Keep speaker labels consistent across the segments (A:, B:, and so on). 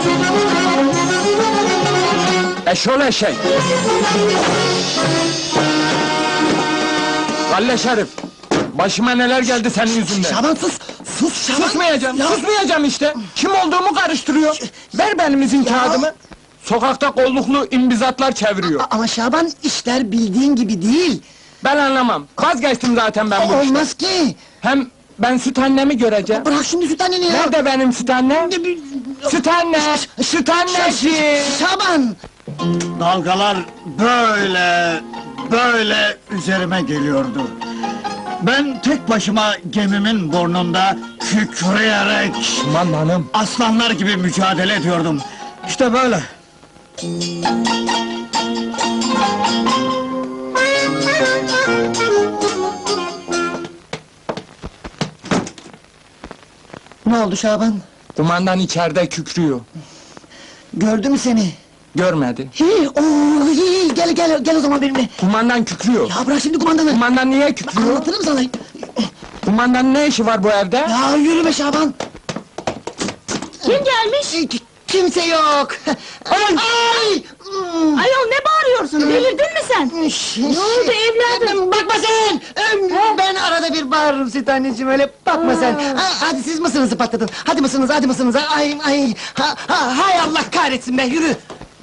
A: Eşol eşek! Galle Şerif! Başıma neler geldi senin yüzünden!
B: Şaban sus! Sus Şaban!
A: Susmayacağım,
B: Ya,
A: susmayacağım işte! Kim olduğumu karıştırıyor! Ver benim izin kağıdımı! Sokakta kolluklu imbizatlar çeviriyor!
B: Ama Şaban, işler bildiğin gibi değil!
A: Ben anlamam! Vazgeçtim zaten ben bu işten!
B: Olmaz ki!
A: Hem ben süt annemi göreceğim!
B: Bırak şimdi süt anneni ya!
A: Nerede benim süt annem? Süt anne! Süt anneciğim!
B: Şaban!
C: Dalgalar böyle üzerime geliyordu. Ben tek başıma gemimin burnunda kükreyerek
A: Kumandanım!
C: aslanlar gibi mücadele ediyordum. İşte böyle.
B: Ne oldu Şaban?
A: Kumandan içeride kükrüyor.
B: Gördü mü seni?
A: Görmedi.
B: Gel o zaman benimle!
A: Kumandan kükrüyor.
B: Ya bırak şimdi kumandanı!
A: Kumandan niye kükrüyor?
B: Anlatırım sana!
A: Kumandanın ne işi var bu evde?
B: Ya yürü be Şaban!
D: Kim gelmiş?
B: Kimse yok! Ay!
D: Ayol ne bağırıyorsun? Delirdin mi sen?
B: Ne
D: oldu evladım?
B: Bakma sen! Ben arada bir bağırırım süt anneciğim, öyle bakma sen! Hadi siz mısınızı patlatın! Hadi mısınız! Ay! Hay Allah kahretsin be, yürü!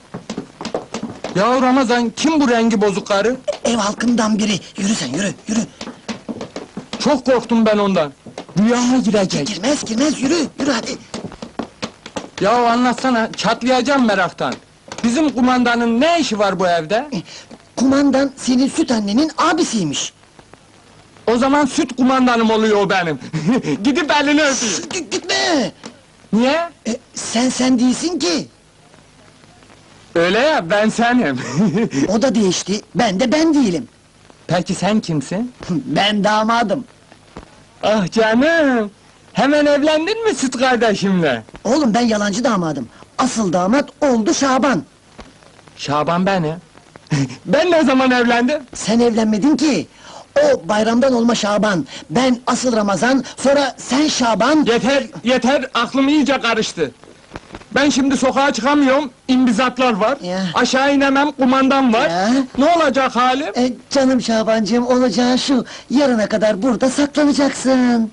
A: Ya Ramazan, kim bu rengi bozuk karı?
B: Ev halkından biri, yürü sen, yürü!
A: Çok korktum ben ondan. Rüyama girecek.
B: Girmez, yürü hadi!
A: Ya anlatsana, çatlayacağım meraktan. Bizim kumandanın ne işi var bu evde?
B: Kumandan senin süt annenin abisiymiş!
A: O zaman süt kumandanım oluyor o benim. Gidip elini öpeyim.
B: Gitme!
A: Niye?
B: Sen değilsin ki!
A: Öyle ya, ben senim.
B: O da değişti, ben değilim!
A: Peki sen kimsin?
B: Ben damadım!
A: Ah canım! Hemen evlendin mi süt kardeşimle?
B: Oğlum ben yalancı damadım! Asıl damat oldu Şaban!
A: Şaban benim. Ben ne zaman evlendim?
B: Sen evlenmedin ki! O bayramdan olma Şaban! Ben asıl Ramazan, sonra sen Şaban!
A: Yeter, aklım iyice karıştı. Ben şimdi sokağa çıkamıyorum, imbizatlar var.
B: Ya.
A: Aşağı inemem, kumandan var.
B: Ya.
A: Ne olacak halim?
B: Canım Şabancığım, olacağı şu! Yarına kadar burada saklanacaksın!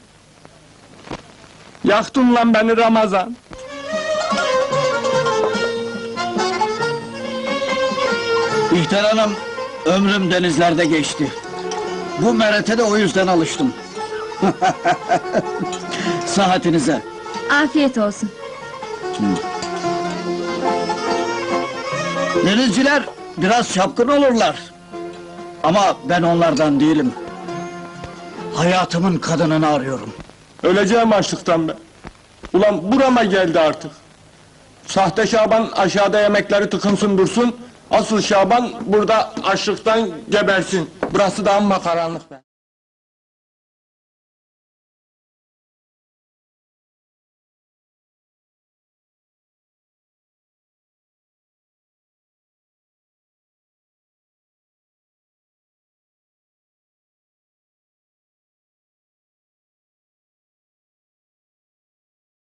A: Yaktın lan beni Ramazan!
C: İhter Hanım, ömrüm denizlerde geçti. Bu merete de o yüzden alıştım. Saatinize.
D: Afiyet olsun.
C: Denizciler biraz çapkın olurlar. Ama ben onlardan değilim. Hayatımın kadınını arıyorum.
A: Öleceğim açlıktan ben. Ulan burama geldi artık. Sahte Şaban aşağıda yemekleri tıkınsın dursun. Asıl Şaban burada açlıktan gebersin. Burası da amma karanlık be.